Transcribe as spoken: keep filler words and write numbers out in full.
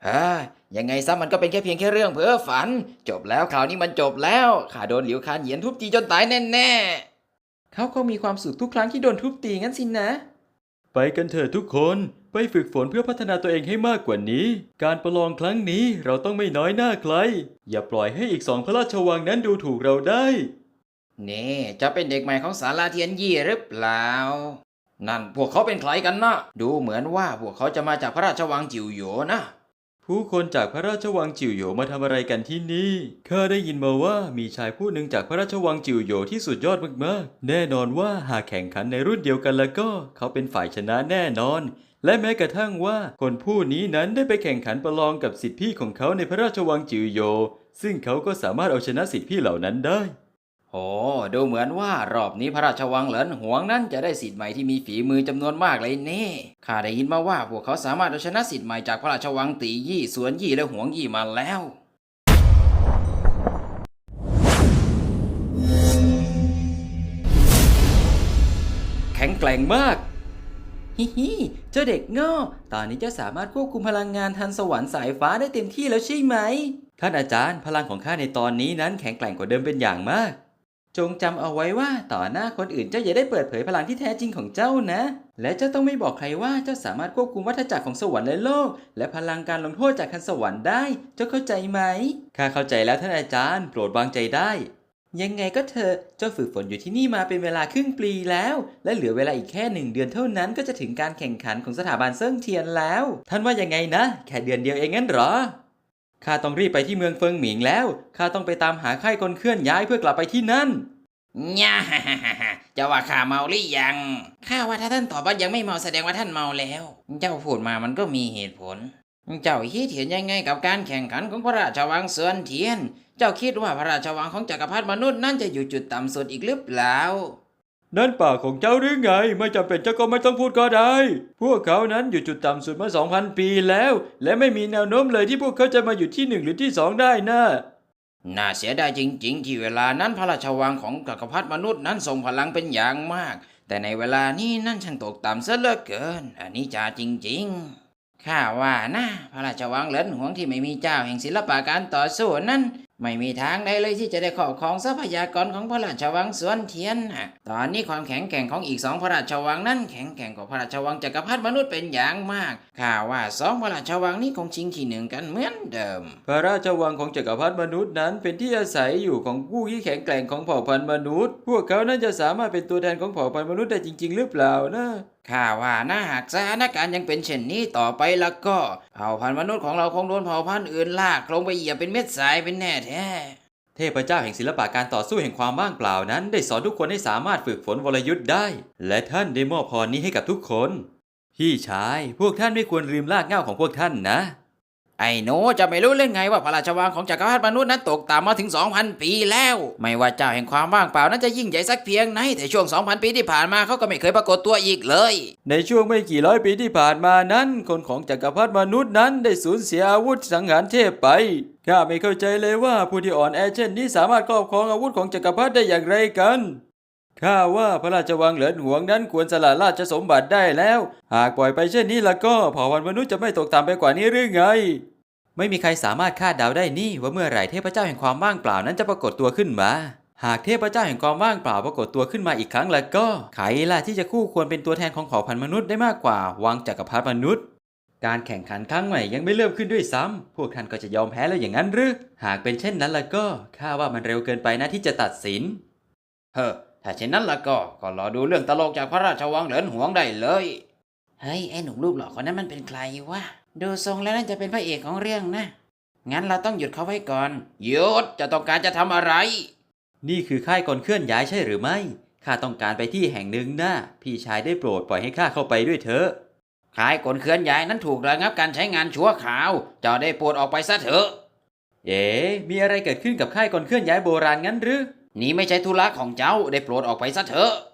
เฮ้ยยังไงซะมันก็เป็นแค่เพียงแค่เรื่องเพ้อฝันจบแล้วข่าวนี้มันจบแล้วข้าโดนหลิวคานเหยียนทุบตีจนตายแน่ๆเขาคงมีความสุขทุกครั้งที่โดนทุบตีงั้นสินะไปกันเถอะทุกคนไปฝึกฝนเพื่อพัฒนาตัวเองให้มากกว่านี้ การประลองครั้งนี้เราต้องไม่น้อยหน้าใครอย่าปล่อยให้อีกสองพระราชวังนั้นดูถูกเราได้นี่จะเป็นเด็กใหม่ของศาลาเทียนยี่หรือเปล่านั่นพวกเขาเป็นใครกันนะดูเหมือนว่าพวกเขาจะมาจากพระราชวังจิ๋วโหยนะผู้คนจากพระราชวังจิ๋วโหยมาทำอะไรกันที่นี่ข้าได้ยินมาว่ามีชายผู้หนึ่งจากพระราชวังจิ๋วโหยที่สุดยอดมากๆแน่นอนว่าหากแข่งขันในรุ่นเดียวกันแล้วก็เขาเป็นฝ่ายชนะแน่นอนและแม้กระทั่งว่าคนผู้นี้นั้นได้ไปแข่งขันประลองกับศิษย์พี่ของเขาในพระราชวังจิ๋วโหยซึ่งเขาก็สามารถเอาชนะศิษย์พี่เหล่านั้นได้โอ้ดูเหมือนว่ารอบนี้พระราชวังเหลินหวงนั้นจะได้ศิษย์ใหม่ที่มีฝีมือจำนวนมากเลยนี่ข้าได้ยินมาว่าพวกเขาสามารถเอาชนะศิษย์ใหม่จากพระราชวังตียี่สวนยี่และหวงยี่มาแล้วแข็งแกร่งมากฮิฮิเจ้าเด็กโง่ตอนนี้เจ้าสามารถควบคุมพลังงานทันสวรรค์สายฟ้าได้เต็มที่แล้วใช่ไหมท่านอาจารย์พลังของข้าในตอนนี้นั้นแข็งแกร่งกว่าเดิมเป็นอย่างมากจงจำเอาไว้ว่าต่อหน้าคนอื่นเจ้าอย่าได้เปิดเผยพลังที่แท้จริงของเจ้านะและเจ้าต้องไม่บอกใครว่าเจ้าสามารถควบคุมวัฏจักรของสวรรค์และโลกและพลังการลงโทษจากคันสวรรค์ได้เจ้าเข้าใจไหมข้าเข้าใจแล้วท่านอาจารย์โปรดวางใจได้ยังไงก็เถอะเจ้าฝึกฝนอยู่ที่นี่มาเป็นเวลาครึ่งปีแล้วและเหลือเวลาอีกแค่หนึ่งเดือนเท่านั้นก็จะถึงการแข่งขันของสถาบันเซิ่งเทียนแล้วท่านว่ายังไงนะแค่เดือนเดียวเองงั้นเหรอข้าต้องรีบไปที่เมืองเฟิงหมิงแล้วข้าต้องไปตามหาค่ายคนเคลื่อนย้ายเพื่อกลับไปที่นั่นย่าฮ่าฮ่าฮ่าจะว่าข้าเมาหรือยังข้าว่าถ้าท่านตอบว่ายังไม่เมาแสดงว่าท่านเมาแล้วเจ้าพูดมามันก็มีเหตุผลเจ้าคิดเห็นยังไงกับการแข่งขันของพระราชวังเซินเทียนเจ้าคิดว่าพระราชวังของจักรพรรดิมนุษย์นั่นจะอยู่จุดต่ำสุดอีกหรือเปล่านั่นปากของเจ้าหรือไงไม่จำเป็นเจ้าก็ไม่ต้องพูดก็ได้พวกเขานั้นอยู่จุดต่ำสุดมา สองพัน ปีแล้วและไม่มีแนวโน้มเลยที่พวกเขาจะมาอยู่ที่หนึ่งหรือที่สองได้นะน่าเสียดายจริงๆที่เวลานั้นพระราชวังของจักรพรรดิมนุษย์นั้นทรงพลังเป็นอย่างมากแต่ในเวลานี้นั่นช่างตกต่ำซะเหลือเกินอันนี้จาจริงๆข้าว่านะพระราชวังเหลินหวงที่ไม่มีเจ้าแห่งศิลปะการต่อสู้นั้นไม่มีทางใดเลยที่จะได้ครอบครองทรัพยากรของพระราชวังสวนเทียนนะตอนนี้ความแข็งแกร่งของอีกสองพระราชวังนั้นแข็งแกร่งกว่าพระราชวังจักรพรรดิมนุษย์เป็นอย่างมากข้าว่าสองพระราชวังนี้คงชิงที่หนึ่งกันเหมือนเดิมพระราชวังของจักรพรรดิมนุษย์นั้นเป็นที่อาศัยอยู่ของผู้ที่แข็งแกร่งของเผ่าพันธุ์มนุษย์พวกเขานั้นจะสามารถเป็นตัวแทนของเผ่าพันธุ์มนุษย์ได้จริงๆหรือเปล่านะข้าว่านะหากสถานการณ์ยังเป็นเช่นนี้ต่อไปแล้วก็เผ่าพันธุ์มนุษย์ของเราคงโดนเผ่าพันธุ์อื่นลากลงไปเหยียบเป็นเม็ดทรายเป็นแน่แท้เทพเจ้าแห่งศิลปะการต่อสู้แห่งความว่างเปล่านั้นได้สอนทุกคนให้สามารถฝึกฝนวรยุทธ์ได้และท่านได้มอบพรนี้ให้กับทุกคนพี่ชายพวกท่านไม่ควรลืมรากเหง้าของพวกท่านนะไอ้หนูจะไม่รู้เรื่องไงว่าพระราชวังของจักรพรรดิมนุษย์นั้นตกต่ำมาถึง สองพัน ปีแล้วไม่ว่าเจ้าแห่งความว่างเปล่านั้นจะยิ่งใหญ่สักเพียงไหนแต่ช่วง สองพัน ปีที่ผ่านมาเขาก็ไม่เคยปรากฏตัวอีกเลยในช่วงไม่กี่ร้อยปีที่ผ่านมานั้นคนของจักรพรรดิมนุษย์นั้นได้สูญเสียอาวุธสังหารเทพไปข้าไม่เข้าใจเลยว่าผู้ที่อ่อนแอเช่นนี้สามารถครอบครองอาวุธของจักรพรรดิได้อย่างไรกันข้าว่าพระราชวังเหลินหวงนั้นควรสละราชสมบัติได้แล้วหากปล่อยไปเช่นนี้แล้วก็เผ่าพันธุ์มนุษย์จะไม่ตกต่ำไปกว่านี้หรือไงไม่มีใครสามารถคาดเดาได้นี่ว่าเมื่อไหร่เทพเจ้าแห่งความว่างเปล่านั้นจะปรากฏตัวขึ้นมาหากเทพเจ้าแห่งความว่างเปล่าปรากฏตัวขึ้นมาอีกครั้งแล้วก็ใครล่ะที่จะคู่ควรเป็นตัวแทนของเผ่าพันธุ์มนุษย์ได้มากกว่าวังจักรพรรดิมนุษย์การแข่งขันครั้งใหม่ยังไม่เริ่มขึ้นด้วยซ้ำพวกท่านก็จะยอมแพ้แล้วอย่างนั้นหรือหากเป็นเช่นนั้นแล้วก็ข้าว่ามันเร็วเกินไปนะที่จะตัดสินเฮ้อถ้าเช่นนั้นแล้วก็ก็รอดูเรื่องตลกจากพระราชวังเหลินหวงได้เลยเฮ้ยไอ้หนุ่มรูปหล่อคนนั้นมันเป็นใครวะดูทรงแล้วน่าจะเป็นพระเอกของเรื่องนะงั้นเราต้องหยุดเขาไว้ก่อนหยุดจะต้องการจะทำอะไรนี่คือค่ายก่อนเคลื่อนย้ายใช่หรือไม่ข้าต้องการไปที่แห่งหนึ่งนะพี่ชายได้โปรดปล่อยให้ข้าเข้าไปด้วยเถอะค่ายกลเคลื่อนย้ายนั้นถูกระงับการใช้งานชั่วคราวเจ้าได้โปรดออกไปซะเถอะเอ๋มีอะไรเกิดขึ้นกับค่ายก่อนเคลื่อนย้ายโบราณงั้นหรือนี่ไม่ใช่ธุระของเจ้าได้โปรดออกไปซะเถอะ